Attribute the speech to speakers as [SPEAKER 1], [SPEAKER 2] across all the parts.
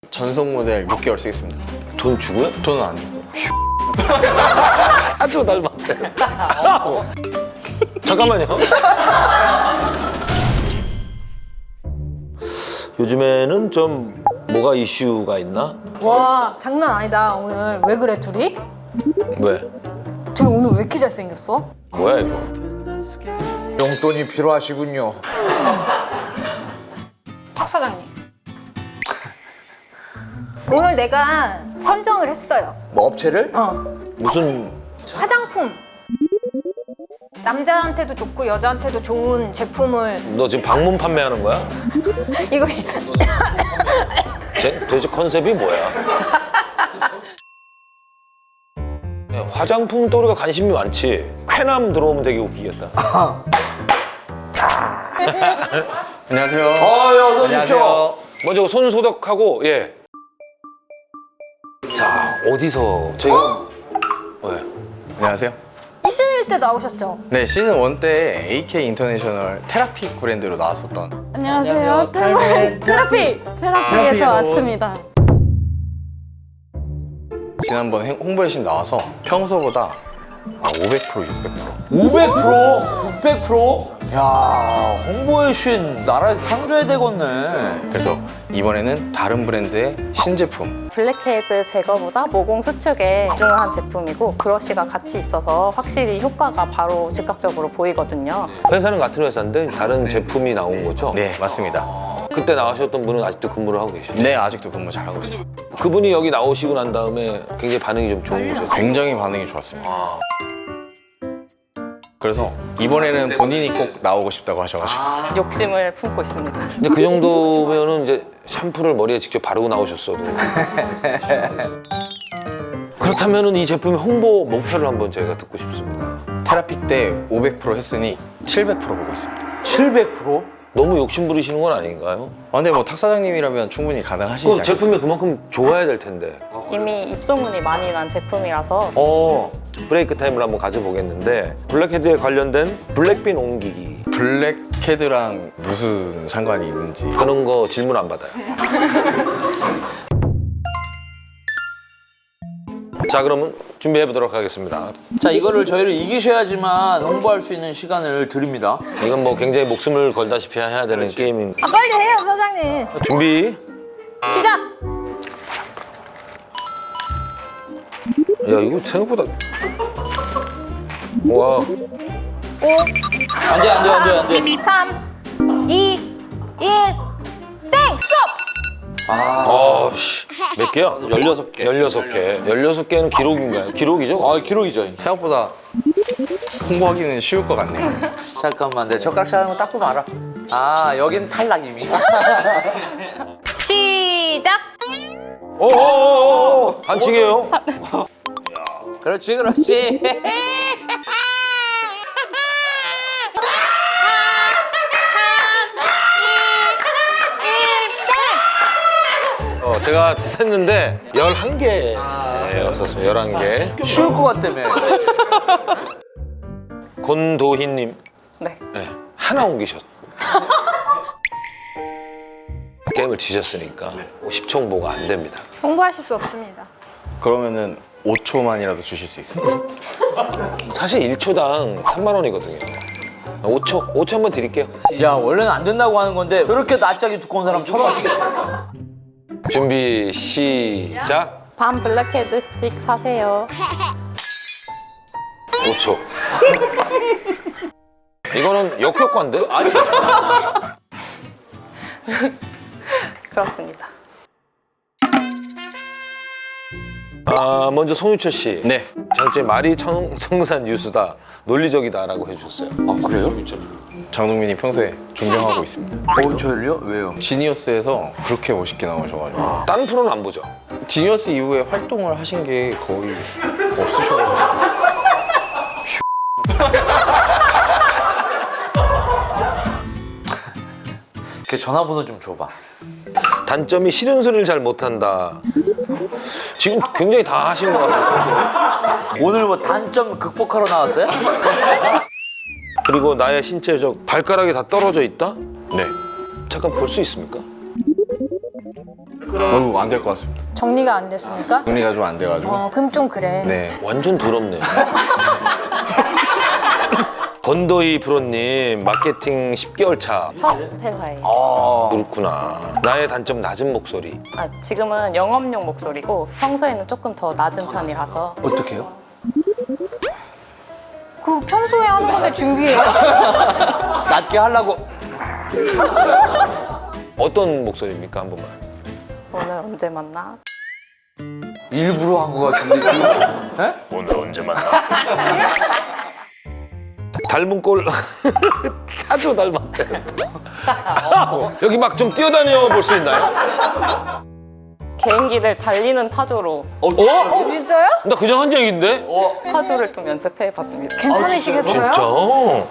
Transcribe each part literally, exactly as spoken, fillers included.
[SPEAKER 1] 전속 모델 육 개월 쓰겠습니다.
[SPEAKER 2] 돈 주고요?
[SPEAKER 1] 돈은 안 주고.
[SPEAKER 2] 아주 닮았대. 잠깐만요. 요즘에는 좀 뭐가 이슈가 있나?
[SPEAKER 3] 와 장난 아니다 오늘. 왜 그래 둘이?
[SPEAKER 2] 왜?
[SPEAKER 3] 둘이 오늘 왜 이렇게 잘생겼어?
[SPEAKER 2] 뭐야 이거?
[SPEAKER 4] 용돈이 필요하시군요.
[SPEAKER 3] 박 사장님 오늘 내가 선정을 했어요.
[SPEAKER 4] 뭐 업체를?
[SPEAKER 3] 어
[SPEAKER 2] 무슨
[SPEAKER 3] 화장품 남자한테도 좋고 여자한테도 좋은 제품을
[SPEAKER 2] 너 지금 방문 판매하는 거야?
[SPEAKER 3] 이거
[SPEAKER 2] 제, 도대체 컨셉이 뭐야? 야, 화장품 또 우리가 관심이 많지. 쾌남 들어오면 되게 웃기겠다.
[SPEAKER 1] 안녕하세요.
[SPEAKER 4] 아, 예, 어서 오십시오.
[SPEAKER 2] 먼저 손 소독하고 예. 자 어디서 저희가 왜?
[SPEAKER 1] 안녕하세요.
[SPEAKER 3] 이슈일 때 나오셨죠?
[SPEAKER 1] 네, 시즌 일 때 에이케이 인터내셔널 테라픽 브랜드로 나왔었던
[SPEAKER 5] 안녕하세요. 테라피 테라피 테라피에서 왔습니다.
[SPEAKER 1] 지난번 행- 홍보 회신 나와서 평소보다 아, 오백 퍼센트, 육백 퍼센트.
[SPEAKER 4] 오백 퍼센트? 육백 퍼센트? 야, 홍보의 신 나라에서 상줘야 되겠네.
[SPEAKER 1] 그래서 이번에는 다른 브랜드의 신제품.
[SPEAKER 5] 블랙헤드 제거보다 모공 수축에 집중을 한 제품이고 브러쉬가 같이 있어서 확실히 효과가 바로 즉각적으로 보이거든요.
[SPEAKER 2] 회사는 같은 회사인데 다른 제품이 나온 거죠?
[SPEAKER 1] 네, 맞습니다.
[SPEAKER 2] 그때 나오셨던 분은 아직도 근무를 하고 계시죠?
[SPEAKER 1] 네, 아직도 근무 잘하고 있어요.
[SPEAKER 2] 그분이 여기 나오시고 난 다음에 굉장히 반응이 좀 좋은 거죠?
[SPEAKER 1] 굉장히 반응이 좋았습니다. 그래서 이번에는 본인이 꼭 나오고 싶다고 하셔가지고
[SPEAKER 5] 욕심을 품고 있습니다.
[SPEAKER 2] 근데 그 정도면은 이제 샴푸를 머리에 직접 바르고 나오셨어도 그렇다면은 이 제품의 홍보 목표를 한번 저희가 듣고 싶습니다.
[SPEAKER 1] 테라픽 때 오백 퍼센트 했으니 칠백 퍼센트 보고 있습니다.
[SPEAKER 4] 칠백 퍼센트?
[SPEAKER 2] 너무 욕심 부리시는 건 아닌가요?
[SPEAKER 1] 아, 근데 뭐 탁 사장님이라면 충분히 가능하시지
[SPEAKER 2] 그
[SPEAKER 1] 않겠어요?
[SPEAKER 2] 제품이 그만큼 좋아야 될 텐데
[SPEAKER 5] 이미 입소문이 많이 난 제품이라서
[SPEAKER 2] 어 브레이크 타임을 한번 가져보겠는데 블랙헤드에 관련된 블랙빈 옮기기
[SPEAKER 1] 블랙헤드랑 무슨 상관이 있는지.
[SPEAKER 2] 그런 거 질문 안 받아요. 자 그러면 준비해 보도록 하겠습니다.
[SPEAKER 4] 자, 이거를 저희를 이기셔야지만 홍보할 수 있는 시간을 드립니다.
[SPEAKER 2] 이건 뭐 굉장히 목숨을 걸다시피 해야 되는 게임인
[SPEAKER 3] 아 빨리 해요 사장님.
[SPEAKER 2] 준비.
[SPEAKER 3] 시작.
[SPEAKER 2] 야 이거 생각보다 와
[SPEAKER 3] 오
[SPEAKER 4] 안 돼, 안 돼, 안 돼, 안 돼.
[SPEAKER 3] 삼 이 일 땡! 스톱!
[SPEAKER 2] 어씨 몇 개야?
[SPEAKER 4] 열여섯 개.
[SPEAKER 2] 열여섯 개. 열여섯 개는 기록인가요? 기록이죠?
[SPEAKER 4] 아, 기록이죠.
[SPEAKER 1] 생각보다 홍보하기는 쉬울 것 같네요.
[SPEAKER 4] 잠깐만, 내 젓가락 하는 거 닦고 말아. 아, 여긴 탈락 이미.
[SPEAKER 3] 시작!
[SPEAKER 2] 오오오오 반칙이에요.
[SPEAKER 4] 그렇지, 그렇지.
[SPEAKER 2] 어, 제가 셌는데 열한 개였었습니다. 열한 개.
[SPEAKER 4] 쉬울 것 같다며.
[SPEAKER 2] 권도희님
[SPEAKER 5] 네.
[SPEAKER 2] 네, 하나 옮기셨. 게임을 지셨으니까 십 초 홍보가 안 됩니다.
[SPEAKER 3] 홍보하실 수 없습니다.
[SPEAKER 1] 그러면은 오 초만이라도 주실 수 있어요?
[SPEAKER 2] 사실 일 초당 삼만 원이거든요. 오 초, 오 초 한번 드릴게요.
[SPEAKER 4] 야, 원래는 안 된다고 하는 건데 저렇게 낯짝이 두꺼운 사람 처음 하시겠어.
[SPEAKER 2] 준비 시작.
[SPEAKER 5] 밤 블랙헤드 스틱 사세요.
[SPEAKER 2] 오 초. 이거는 역효과인데? 아니.
[SPEAKER 5] 그렇습니다.
[SPEAKER 2] 아 먼저 송유철 씨.
[SPEAKER 1] 네.
[SPEAKER 2] 장점이 말이 청, 청산 유수다, 논리적이다라고 해주셨어요.
[SPEAKER 4] 아, 그래요?
[SPEAKER 1] 장동민이 평소에 존경하고 있습니다.
[SPEAKER 4] 어, 저를요? 왜요?
[SPEAKER 1] 지니어스에서 그렇게 멋있게 나오셔가지고
[SPEAKER 2] 다른 프로는 안 보죠?
[SPEAKER 1] 지니어스 이후에 활동을 하신 게 거의 없으셔가지고
[SPEAKER 4] 걔 전화번호 좀 줘봐.
[SPEAKER 2] 단점이 싫은 소리를 잘 못한다. 지금 굉장히 다 하신 것 같아요.
[SPEAKER 4] 오늘 뭐 단점 극복하러 나왔어요?
[SPEAKER 2] 그리고 나의 신체적 발가락이 다 떨어져 있다?
[SPEAKER 1] 네.
[SPEAKER 2] 잠깐 볼 수 있습니까?
[SPEAKER 1] 어우, 안 될 것 같습니다.
[SPEAKER 3] 정리가 안 됐으니까?
[SPEAKER 1] 정리가 좀 안 돼가지고.
[SPEAKER 3] 어, 그럼 좀 그래.
[SPEAKER 1] 네.
[SPEAKER 2] 완전 두렵네. 건더이 프로님 마케팅 십 개월 차.
[SPEAKER 5] 첫 회사예요.
[SPEAKER 4] 아,
[SPEAKER 2] 그렇구나. 나의 단점 낮은 목소리.
[SPEAKER 5] 아, 지금은 영업용 목소리고 평소에는 조금 더 낮은 편이라서
[SPEAKER 4] 어떻게 해요?
[SPEAKER 3] 그 평소에 하는 건데 준비해.
[SPEAKER 4] 낮게 하려고.
[SPEAKER 2] 어떤 목소리입니까 한 번만?
[SPEAKER 5] 오늘 언제 만나?
[SPEAKER 4] 일부러 한 거 같은데.
[SPEAKER 2] 오늘 언제 만나? 닮은 꼴 타조 닮았대. 여기 막 좀 뛰어다녀 볼 수 있나요?
[SPEAKER 5] 개인기를 달리는 타조로
[SPEAKER 2] 어?
[SPEAKER 3] 어, 진짜요?
[SPEAKER 2] 나 그냥 한 적인데?
[SPEAKER 5] 타조를 좀 연습해봤습니다.
[SPEAKER 3] 괜찮으시겠어요?
[SPEAKER 2] 진짜?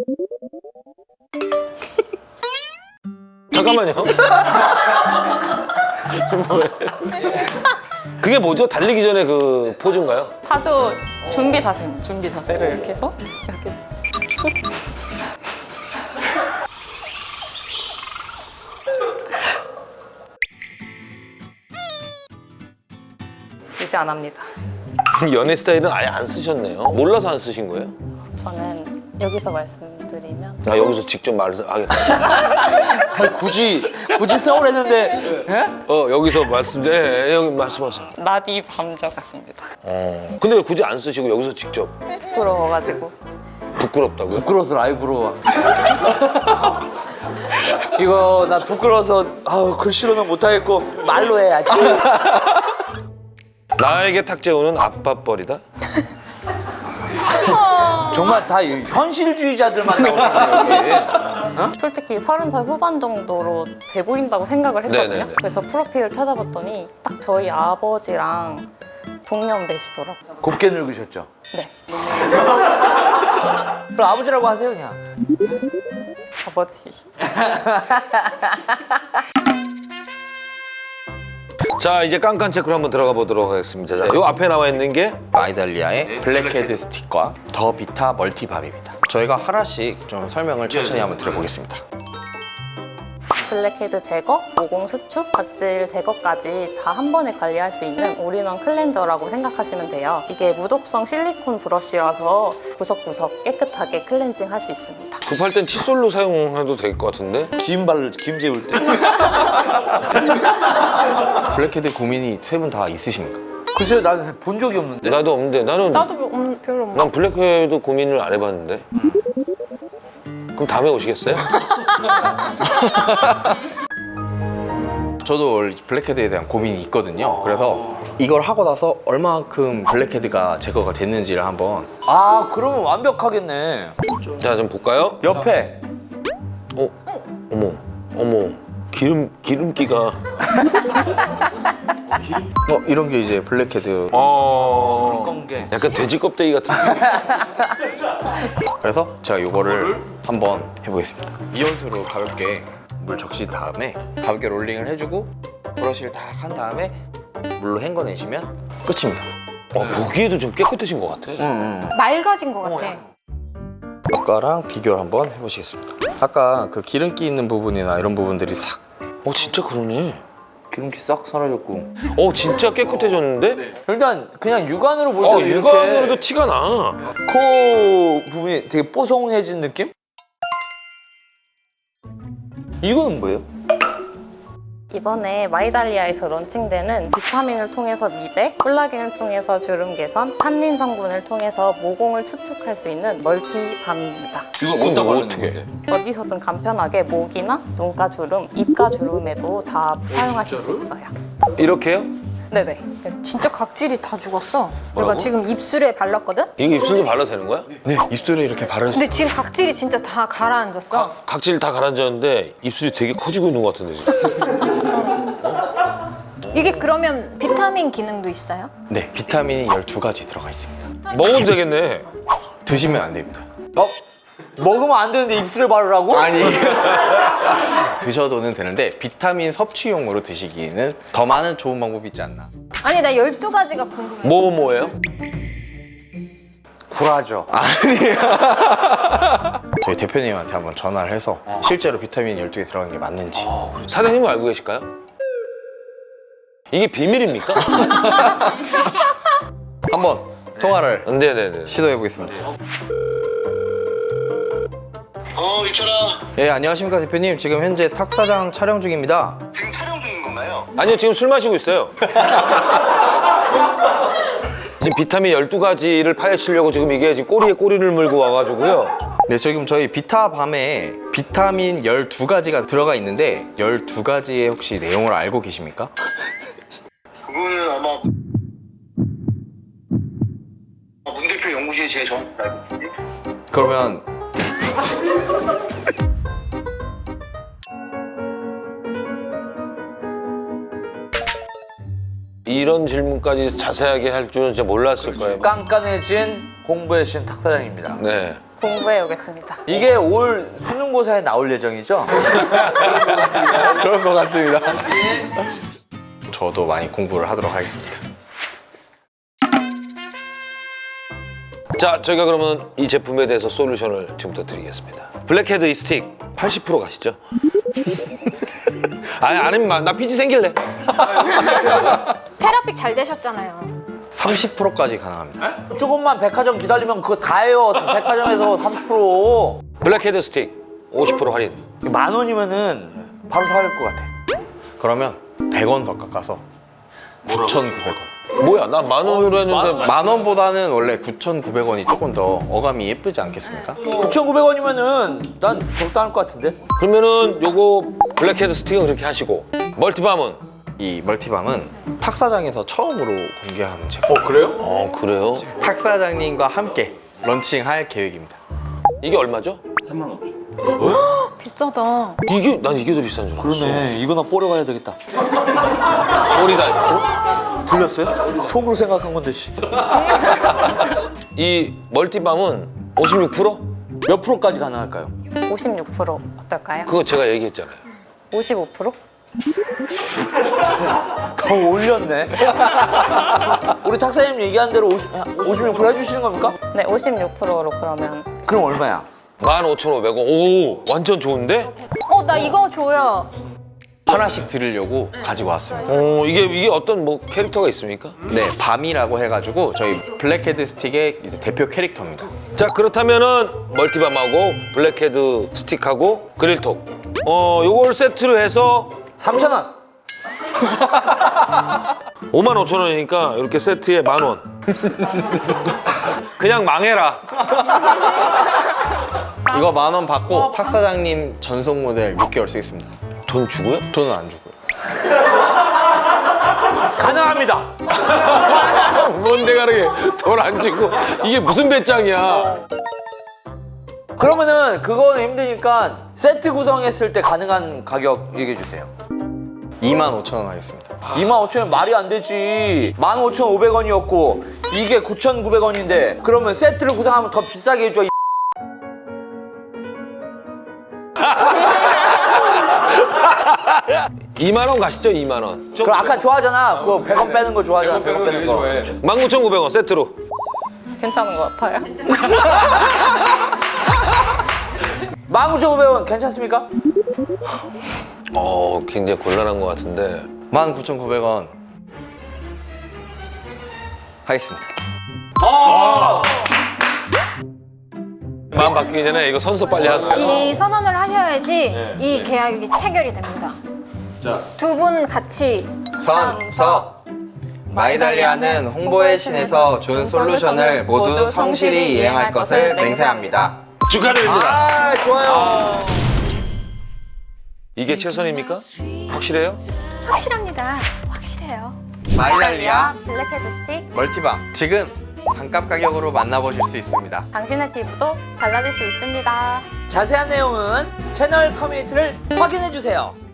[SPEAKER 2] 잠깐만요. 지금 뭐해? 그게 뭐죠? 달리기 전에 그 포즈인가요?
[SPEAKER 5] 타조 준비 자세입니다. 준비 자세를 이렇게 해서 이렇게 이제 안 합니다.
[SPEAKER 2] 연애 스타일은 아예 안 쓰셨네요. 몰라서 안 쓰신 거예요?
[SPEAKER 5] 저는 여기서 말씀드리면
[SPEAKER 2] 아 여기서 직접 말하겠다.
[SPEAKER 4] 아니, 굳이 굳이 써오랬는데. 예?
[SPEAKER 2] 어 여기서 말씀, 예, 예, 여기 말씀하세요.
[SPEAKER 5] 나비 밤저 같습니다.
[SPEAKER 2] 어. 근데 왜 굳이 안 쓰시고 여기서 직접
[SPEAKER 5] 부끄러워가지고
[SPEAKER 2] 부끄럽다고요?
[SPEAKER 4] 부끄러워서 라이브로. 이거 나 부끄러워서 아우 글씨로는 못하겠고 말로 해야지.
[SPEAKER 2] 나에게 탁재우는 아빠뻘이다?
[SPEAKER 4] 정말 다 이 현실주의자들만 나오잖아요 여기.
[SPEAKER 5] 솔직히 서른 살 후반 정도로 돼 보인다고 생각을 했거든요.
[SPEAKER 2] 네네네.
[SPEAKER 5] 그래서 프로필을 찾아봤더니 딱 저희 아버지랑 동년배시더라고요.
[SPEAKER 4] 곱게 늙으셨죠?
[SPEAKER 5] 네,
[SPEAKER 4] 그럼 아버지라고 하세요 그냥.
[SPEAKER 5] 아버지.
[SPEAKER 2] 자 이제 깐깐 체크로 한번 들어가 보도록 하겠습니다. 자, 요 앞에 나와 있는 게
[SPEAKER 1] 마이달리아의 블랙헤드 스틱과 더 비타 멀티밤입니다. 저희가 하나씩 좀 설명을 천천히 한번 드려보겠습니다.
[SPEAKER 5] 블랙헤드 제거, 모공 수축, 각질 제거까지 다 한 번에 관리할 수 있는 올인원 클렌저라고 생각하시면 돼요. 이게 무독성 실리콘 브러쉬라서 구석구석 깨끗하게 클렌징 할 수 있습니다.
[SPEAKER 2] 급할 땐 칫솔로 사용해도 될 것 같은데?
[SPEAKER 4] 김 바를 김 재울 때.
[SPEAKER 1] 블랙헤드 고민이 세 분 다 있으십니까?
[SPEAKER 4] 글쎄요 나는 본 적이 없는데.
[SPEAKER 2] 나도 없는데 나는
[SPEAKER 3] 나도 음, 별로 없네.
[SPEAKER 2] 난 블랙헤드 고민을 안 해봤는데. 그럼 다음에 오시겠어요?
[SPEAKER 1] 저도 원래 블랙헤드에 대한 고민이 있거든요. 그래서 이걸 하고 나서 얼마만큼 블랙헤드가 제거가 됐는지를 한번.
[SPEAKER 4] 아 그러면 완벽하겠네.
[SPEAKER 2] 자 좀 볼까요?
[SPEAKER 4] 옆에
[SPEAKER 2] 어? 어머 어머 기름 기름기가
[SPEAKER 1] 어, 이런 게 이제 블랙헤드.
[SPEAKER 2] 어
[SPEAKER 4] 건게.
[SPEAKER 2] 약간 돼지 껍데기 같은.
[SPEAKER 1] 그래서 제가 이거를 한번 해보겠습니다. 이온수로 가볍게 물 적신 다음에 가볍게 롤링을 해주고 브러쉬를 다 한 다음에 물로 헹궈내시면 끝입니다.
[SPEAKER 2] 어, 보기에도 좀 깨끗해진 것 같아.
[SPEAKER 3] 맑아진 것 같아.
[SPEAKER 1] 아까랑 비교를 한번 해보시겠습니다. 아까 그 기름기 있는 부분이나 이런 부분들이 싹.
[SPEAKER 2] 어 진짜 그러네.
[SPEAKER 4] 기름기 싹 사라졌고.
[SPEAKER 2] 어 진짜 깨끗해졌는데?
[SPEAKER 4] 일단 그냥 육안으로 볼
[SPEAKER 2] 어
[SPEAKER 4] 때
[SPEAKER 2] 육안으로도 티가 나.
[SPEAKER 4] 코 부분이 되게 뽀송해진 느낌? 이거는 뭐예요?
[SPEAKER 5] 이번에 마이달리아에서 론칭되는 비타민을 통해서 미백, 콜라겐을 통해서 주름 개선, 탄닌 성분을 통해서 모공을 수축할 수 있는 멀티밤입니다.
[SPEAKER 4] 이거
[SPEAKER 2] 어디다 바르는
[SPEAKER 4] 건데?
[SPEAKER 5] 어디서든 간편하게 목이나 눈가 주름, 입가 주름에도 다 사용하실 수 있어요.
[SPEAKER 2] 이렇게요?
[SPEAKER 5] 네네.
[SPEAKER 3] 진짜 각질이 다 죽었어. 내가 지금 입술에 발랐거든?
[SPEAKER 2] 이거 입술도 발라도 되는 거야?
[SPEAKER 1] 네, 입술에 이렇게 바를 수.
[SPEAKER 3] 근데 지금 각질이 진짜 다 가라앉았어.
[SPEAKER 2] 각질 다 가라앉았는데 입술이 되게 커지고 있는 것 같은데 지금.
[SPEAKER 3] 이게 그러면 비타민 기능도 있어요?
[SPEAKER 1] 네, 비타민이 열두 가지 들어가 있습니다.
[SPEAKER 2] 먹어도 되겠네.
[SPEAKER 1] 드시면 안 됩니다.
[SPEAKER 4] 어? 먹으면 안 되는데 입술에 바르라고?
[SPEAKER 1] 아니. 드셔도는 되는데 비타민 섭취용으로 드시기에는 더 많은 좋은 방법이 있지 않나.
[SPEAKER 3] 아니 나 열두 가지가 궁금해.
[SPEAKER 2] 뭐 뭐예요?
[SPEAKER 4] 굴하죠.
[SPEAKER 1] 저희 대표님한테 한번 전화를 해서 실제로 비타민 열두 개 들어간 게 맞는지.
[SPEAKER 2] 사장님은 알고 계실까요? 이게 비밀입니까?
[SPEAKER 1] 한번 통화를
[SPEAKER 2] 네네네.
[SPEAKER 1] 시도해 보겠습니다.
[SPEAKER 6] 어, 유철아.
[SPEAKER 1] 예, 안녕하십니까 대표님. 지금 현재 탁사장 촬영 중입니다.
[SPEAKER 6] 지금 촬영 중인 건가요?
[SPEAKER 2] 아니요, 지금 술 마시고 있어요. 지금 비타민 열두 가지를 파헤치려고 지금 이게 지금 꼬리에 꼬리를 물고 와가지고요.
[SPEAKER 1] 네, 지금 저희 비타밤에 비타민 열두 가지가 들어가 있는데 열두 가지의 혹시 내용을 알고 계십니까?
[SPEAKER 6] 그거는 아마 문 대표 연구실에 제일 정확히 알고 있는데.
[SPEAKER 1] 그러면
[SPEAKER 2] 이런 질문까지 자세하게 할 줄은 진짜 몰랐을 거예요.
[SPEAKER 4] 깐깐해진 공부의 신 탁사장입니다.
[SPEAKER 2] 네.
[SPEAKER 5] 공부해 오겠습니다.
[SPEAKER 4] 이게 올 수능고사에 나올 예정이죠?
[SPEAKER 1] 그럴 것 같습니다. 저도 많이 공부를 하도록 하겠습니다.
[SPEAKER 2] 자, 저희가 그러면 이 제품에 대해서 솔루션을 지금부터 드리겠습니다. 블랙헤드 이 스틱 팔십 퍼센트 가시죠. 아니, 안 하면 나 피지 생길래.
[SPEAKER 3] 테라픽 잘 되셨잖아요.
[SPEAKER 1] 삼십 퍼센트까지 가능합니다.
[SPEAKER 4] 조금만 백화점 기다리면 그거 다 해요. 백화점에서 삼십 퍼센트.
[SPEAKER 2] 블랙헤드 스틱 오십 퍼센트 할인.
[SPEAKER 4] 만 원이면은 바로 살 것 같아.
[SPEAKER 1] 그러면 백 원 더 깎아서 구천구백 원.
[SPEAKER 2] 뭐야, 나 만 원으로 했는데.
[SPEAKER 1] 만 원보다는 원래 구천구백 원이 조금 더 어감이 예쁘지 않겠습니까?
[SPEAKER 4] 구천구백 원이면은 난 적당할 것 같은데?
[SPEAKER 2] 그러면은 요거 블랙헤드 스틱은 그렇게 하시고 멀티밤은?
[SPEAKER 1] 이 멀티밤은 탁사장에서 처음으로 공개하는 제품.
[SPEAKER 4] 어, 그래요?
[SPEAKER 2] 어, 그래요?
[SPEAKER 1] 탁사장님과 함께 런칭할 계획입니다.
[SPEAKER 2] 이게 얼마죠?
[SPEAKER 3] 비싸다.
[SPEAKER 2] 이게 난 이게 더 비싼 줄 알았어.
[SPEAKER 4] 그러네. 이거나 뽀려 가야 되겠다.
[SPEAKER 2] 꼬리다.
[SPEAKER 4] 들렸어요? 속으로 생각한 건데, 씨.
[SPEAKER 2] 이 멀티밤은 오십육 퍼센트?
[SPEAKER 4] 몇 프로까지 가능할까요?
[SPEAKER 5] 오십육 퍼센트 어떨까요?
[SPEAKER 2] 그거 제가 얘기했잖아요.
[SPEAKER 5] 오십오 퍼센트?
[SPEAKER 4] 더 올렸네. 우리 탁사님 얘기한 대로 오십, 오십육 퍼센트 해주시는 겁니까?
[SPEAKER 5] 네, 오십육 퍼센트로 그러면
[SPEAKER 4] 그럼 얼마야?
[SPEAKER 2] 만 오천오백 원. 오, 완전 좋은데?
[SPEAKER 3] 어, 나 이거 줘요.
[SPEAKER 1] 하나씩 드리려고 가지고 왔습니다.
[SPEAKER 2] 어, 이게 이게 어떤 뭐 캐릭터가 있습니까?
[SPEAKER 1] 네, 밤이라고 해가지고 저희 블랙헤드 스틱의 이제 대표 캐릭터입니다.
[SPEAKER 2] 자, 그렇다면은 멀티밤하고 블랙헤드 스틱하고 그릴톡. 어, 요걸 세트로 해서
[SPEAKER 4] 삼천 원.
[SPEAKER 2] 오만 오천 원이니까 이렇게 세트에 만 원. 그냥 망해라.
[SPEAKER 1] 이거 만 원 받고 탁사장님 전속 모델 육 개월 쓰겠습니다.
[SPEAKER 2] 돈 주고요?
[SPEAKER 1] 돈은 안 주고요.
[SPEAKER 4] 가능합니다.
[SPEAKER 2] 뭔데 가르게 돈 안 주고 이게 무슨 배짱이야?
[SPEAKER 4] 그러면은 그거는 힘드니까 세트 구성했을 때 가능한 가격 얘기해 주세요.
[SPEAKER 1] 이만 오천 원 하겠습니다.
[SPEAKER 4] 이만 오천 원 말이 안 되지. 만 오천오백 원이었고 이게 구천구백 원인데 그러면 세트를 구성하면 더 비싸게 해줘. 이
[SPEAKER 2] 이만 원 가시죠, 이만 원.
[SPEAKER 4] 그럼 아까 좋아하잖아. 그거 백 원 빼는 거 좋아하잖아. 백 원 빼는 거.
[SPEAKER 2] 만 구천구백 원 세트로.
[SPEAKER 5] 괜찮은 것 같아요.
[SPEAKER 4] 만 구천오백 원 괜찮습니까?
[SPEAKER 2] 어, 굉장히 곤란한 것 같은데.
[SPEAKER 1] 만 구천구백 원 하겠습니다.
[SPEAKER 2] 마음 바뀌기 전에 이거 선서 빨리 하세요.
[SPEAKER 3] 이 선언을 하셔야지 이 계약이 체결이 됩니다. 두 분 같이
[SPEAKER 1] 선서 마이달리아는 홍보의 신에서 준 솔루션을 모두 성실히 이행할 것을 맹세합니다.
[SPEAKER 2] 축하드립니다.
[SPEAKER 1] 아, 좋아요.
[SPEAKER 2] 이게 최선입니까? 확실해요?
[SPEAKER 3] 확실합니다. 확실해요.
[SPEAKER 1] 마이달리아
[SPEAKER 5] 블랙헤드 스틱,
[SPEAKER 1] 멀티밤 지금 반값 가격으로 만나보실 수 있습니다.
[SPEAKER 5] 당신의 피부도 달라질 수 있습니다.
[SPEAKER 4] 자세한 내용은 채널 커뮤니티를 확인해 주세요.